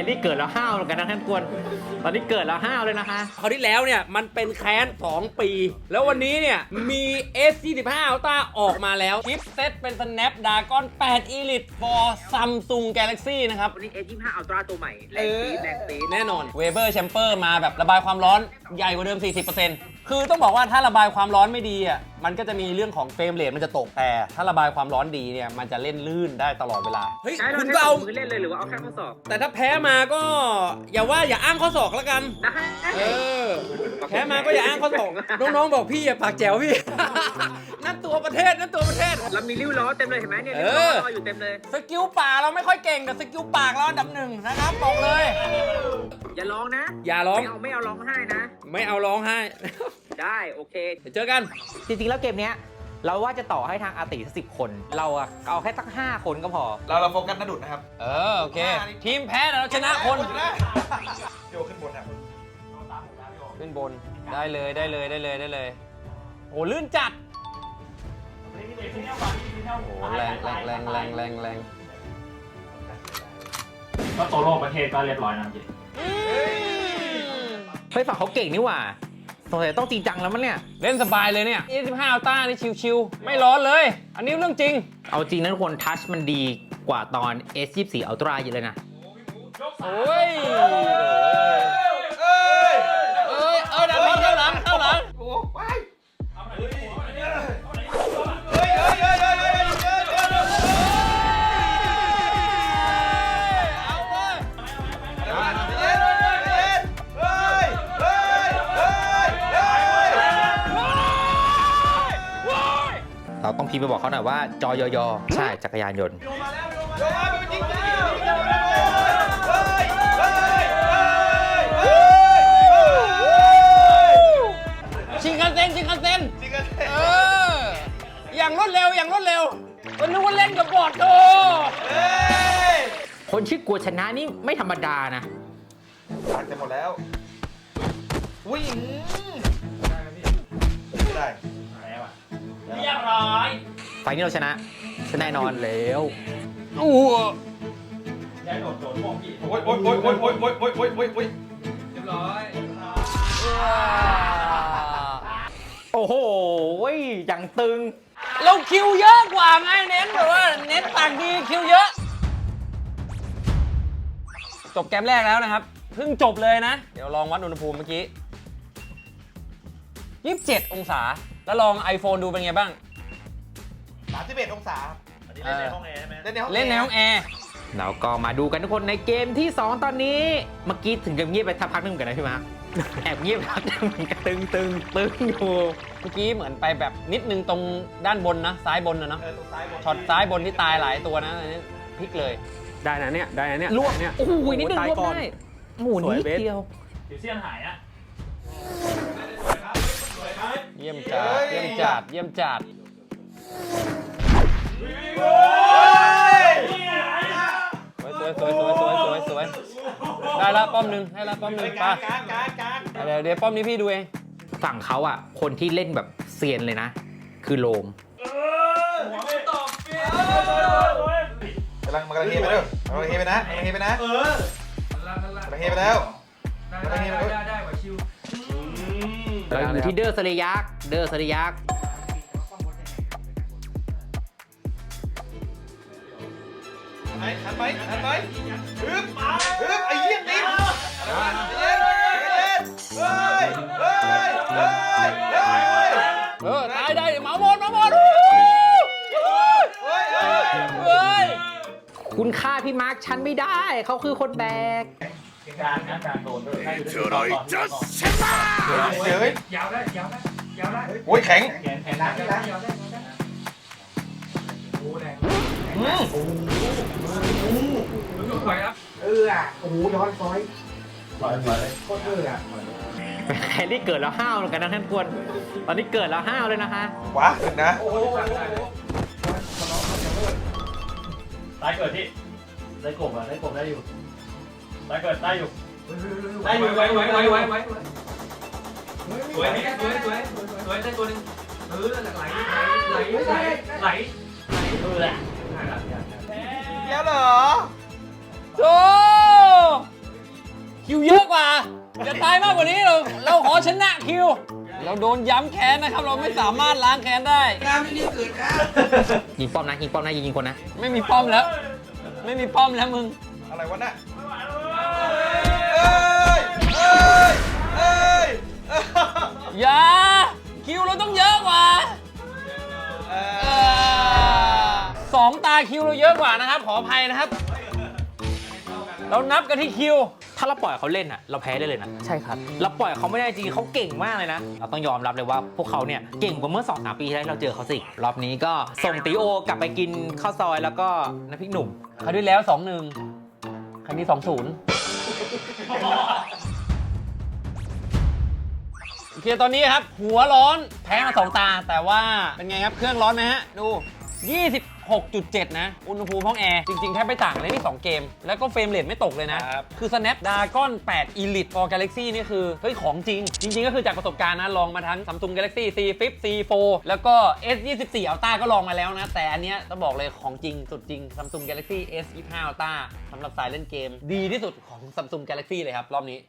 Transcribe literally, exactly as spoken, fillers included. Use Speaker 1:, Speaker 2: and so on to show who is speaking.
Speaker 1: รี่เกิดแล้วห้าวเหมือนกันนะท่านกวนตอนนี้เกิดแล้วห้าวเลยนะคะ
Speaker 2: คราวที่แล้วเนี่ยมันเป็นแค้นสองปีแล้ววันนี้เนี่ยมี เอส ยี่สิบห้า Ultra ออกมาแล้วชิปเซ็ตเป็น Snapdragon แปด Elite for Samsung Galaxy นะครับ
Speaker 3: วันนี้ เอส ยี่สิบห้า Ultra ตัวใหม่แรงปี๊ดแรงปี๊ด
Speaker 2: แน่นอน Weber Chamber มาแบบระบายความร้อนใหญ่กว่าเดิม สี่สิบเปอร์เซ็นต์ คือต้องบอกว่าถ้าระบายความร้อนไม่ดีอ่ะมันก็จะมีเรื่องของเฟรมเรทมันจะตกแต่ถ้าระบายความร้อนดีเนี่ยมันจะเล่นลื่นได้ตลอดเวลาเฮ้ยคุณก็เอา
Speaker 3: มือเล่นเลยหรือว่าเอาแค่ข้อศอก
Speaker 2: แต่ถ้าแพ้มาก็อย่าว่าอย่าอ้างข้อศอกแล้วกันเออแพ้มาก็อย่าอ้างข้อศอกน้องๆบอกพี่อย่าปากแจ๋วพี่ นั่นตัวประเทศนั่นตัวประเทศ
Speaker 3: เรามีริ้วล้อเต็มเลยเห็นไหมเนี่ยริ้วล้ออยู่เต็มเลย
Speaker 2: สกิลป่าเราไม่ค่อยเก่งแต่สกิลปากเราอันดับหนึ่งนะครับบอกเลย
Speaker 3: อย่าร้องนะ
Speaker 2: อย่าร้อง
Speaker 3: ไม่เอาไม่เอาร้องไห้นะ
Speaker 2: ไม่เอาร้องไห้
Speaker 3: ได้โอเค
Speaker 2: เดี๋ยวเจอกัน
Speaker 1: จริงๆแล้วเกมเนี้ยเราว่าจะต่อให้ทางอาติสิบคนเราอะเอาแค่ตั้งห้าคนก็พอ
Speaker 4: เราเราโฟกัสนาดุดนะครับ
Speaker 2: เออโอเคทีมแพ้เราชนะคน
Speaker 4: โยขึ้นบนครับ
Speaker 2: ขึ้นบนได้เลยได้เลยได้เลยได้เลยโอ้ลื่นจัดโอ้แรงแรงแรงแรงแรงแรง
Speaker 5: ก็โซโล่ประเทศก็เรียบร้อยนะจริง
Speaker 1: เฮ้ยฝั่งเขาเก่งนี่หว่าสงสัยต้องจริงจังแล้วมั้งเนี่ย
Speaker 2: เล่นสบายเลยเนี่ย ยี่สิบห้า Ultra นี่ชิวๆไม่ร้อนเลยอันนี้เรื่องจริง
Speaker 1: เอาจริงนะทุกคนทัชมันดีกว่าตอน เอส ยี่สิบสี่ Ultra เยอะเลยนะ
Speaker 2: โอ้ยเอ้ยเอ้ยเอ้ยดันเข้าหลังเข้าหลังโอ้ไป
Speaker 1: เราต้องพิมพ์ไปบอกเขาหน่อยว่าจอยอยใช่จักรยานยนต์
Speaker 2: ชิงคันเซ็นชิงคันเซ็นเอออย่างรวดเร็วอย่างรวดเร็วมันนึกว่าเล่นกับบอร์ดโต
Speaker 1: คนชื่อกลัวชนะนี่ไม่ธรรมดานะ
Speaker 4: ผ่านไปหมดแล้ววิ่งไม่ได้
Speaker 2: เรียบร้อย
Speaker 1: ไฟนี้เราชนะชนะแน่นอนแล้ว
Speaker 2: โอ้
Speaker 5: ได้โดดโดดมองพี่
Speaker 4: โอ้ยโอ้ยโอ้ยโอ้ยโอ้ยโอ้ยโอ้ยโอ้ยโอ้ยโอ้ย
Speaker 5: เรียบร้อย
Speaker 1: โอ้โหอย่างตึง
Speaker 2: เราคิวเยอะกว่าไงเน้นแบบว่าเน้นต่างดีคิวเยอะจบเกมแรกแล้วนะครับเพิ่งจบเลยนะเดี๋ยวลองวัดอุณหภูมิเมื่อกี้ยี่สิบเจ็ดองศาแล้วลอง iPhone ดูเป็นไงบ้าง
Speaker 4: สามสิบเอ็ดองศาอันนี้เล่นในห้องแอร์ใช่ไหมเล่นในห้อง
Speaker 2: เล่นในห้องแอร์
Speaker 1: เราก็มาดูกันทุกคนในเกมที่สองตอนนี้เมื่อกี้ถึงกับเงียบไปทักพักนึงกันนะพี่มาร์คแอบเงียบพักนึงตึงตึงตึงอยู่
Speaker 2: เมื่อกี้เหมือนไปแบบนิดนึงตรงด้านบนนะซ้ายบนนะเนาะช็อตซ้ายบนที่ตายหลายตัวนะอันนี้พลิกเลย
Speaker 5: ได้นะเนี่ยได้นะเนี่ย
Speaker 1: ลวกเนี่ยโอ้โหนิดนึงลวกได้หมูนิดเดียว
Speaker 5: เดี๋ยวเสี้ยนหายอ่ะ
Speaker 2: เยี่ยมจัดเยี่ยมจัดเยี่ยมจัดสวยสวยสวยสวยสวยสวยได้ละป้อมหนึ่งให้ละป้อมหนึ่งไปเดี๋ยวเดี๋ยวป้อมนี้พี่ดูเอง
Speaker 1: ฝั่งเขาอ่ะคนที่เล่นแบบเซียนเลยนะคือโลม
Speaker 4: กำลังมันกำลังเฮไปเด้อกำลังเฮไปนะกำลังเฮไปนะเออกำลังเฮไปแล้วกำลังเฮไปแล้วได้
Speaker 1: กว่าชิวเราอยู่ที่เดอร์สเลยักเดอร์สเลยัก
Speaker 4: ไอ้ทันไหมทันไหมฮึบฮึบไอ้เหี้ยติ๊บเย็นเย็นเฮ้ยเฮ้ยเฮ้ยเฮ้ย
Speaker 2: เออตายได้หมาหมดหมาหมด
Speaker 4: เฮ้ยเฮ้ย
Speaker 2: เฮ้ย
Speaker 1: คุณฆ่าพี่มาร์คฉันไม่ได้เขาคือคนแบก
Speaker 5: การนะการโดนด้วยเฉยจัดเฉ
Speaker 4: ย
Speaker 5: ยาวได้ยาวได้ยาวได้
Speaker 4: โอ้ยแข็ง
Speaker 5: แข็งแข็งนะยาวได้ยาวได้โอ้แรงโอ้โหโอ้โหไปครับเอออ่ะโอ้โหย้อนซอยซอยมาเลยโคตรเอออ่ะ
Speaker 1: แฮร์รี่เกิดแล้วห้าวเหมือนกันนะท่านกวนตอนนี้เกิดแล้วห้าวเลยนะคะ
Speaker 4: ว้าขึ้นนะ
Speaker 5: ตายเกิดที่ได้กบอ่ะได้กบได้อยู่ตายเกิดได้อยู่ได้อยู่ไว้ไว้ไว้ไว้ไว้สวยนี่สวยสวยสวยได้ตัวนึงเออไหลไหลไหลไหลไหลเออแหละ
Speaker 4: แล้วเหรอ
Speaker 2: โธ่คิวเยอะกว่า จะตายมากกว่านี้เราเราขอชนะคิว เราโดนย้ำแค้นนะครับ เราไม่สามารถล้างแค้นได้
Speaker 1: ยิงป้อมนะยิงป้อมนะยิงยิงคนนะ
Speaker 2: ไม่มีป้อมแล้ว ไม่มีป้อมแล้วมึง
Speaker 4: อะไรวะน่ะเอ้ยเอ้ยเอ้ย
Speaker 2: อย่า คิวเราต้องเยอะกว่า
Speaker 4: เอ
Speaker 2: เอ
Speaker 4: อ
Speaker 2: อสองตาคิวเราเยอะกว่านะครับ ขออภัยนะครับ เรานับกันที่คิว
Speaker 1: ถ้าเราปล่อยเขาเล่นอ่ะเราแพ้ได้เลยนะ
Speaker 2: ใช่ครับ
Speaker 1: เราปล่อยเขาไม่ได้จริงเขาเก่งมากเลยนะ เราต้องยอมรับเลยว่าพวกเขาเนี่ยเก่งกว่าเมื่อ สองสาม ปีที่แล้วเราเจอเขาสิรอบนี้ก็ส่งตีโอกลับไปกินข้าวซอยแล้วก็น้ำพริกหนุ่ม
Speaker 2: คราวที่แล้วสองหนึ่งครั้งนี้สองศูนย์โอเคตอนนี้ครับ หัวร้อนแพ้มาสองตา แต่ว่าเป็นไงครับ เครื่องร้อนไหมฮะ ดู ยี่สิบหกจุดเจ็ด นะ อุณหภูมิห้องแอร์ จริงๆ แทบไม่ต่างเลยนี่สองเกม แล้วก็เฟรมเรทไม่ตกเลยนะ คือ Snapdragon แปด Elite for Galaxy นี่คือ เฮ้ย ของจริง จริง ๆ ก็คือจากประสบการณ์นะ ลองมาทั้ง Samsung Galaxy ซี ฟิป ซี โฟร์ แล้วก็ เอส ยี่สิบสี่ Ultra ก็ลองมาแล้วนะ แต่อันเนี้ยต้องบอกเลยของจริง สุดจริง Samsung Galaxy เอส ยี่สิบห้า Ultra สำหรับสายเล่นเกม ดีที่สุดของ Samsung Galaxy เลยครับรอบนี้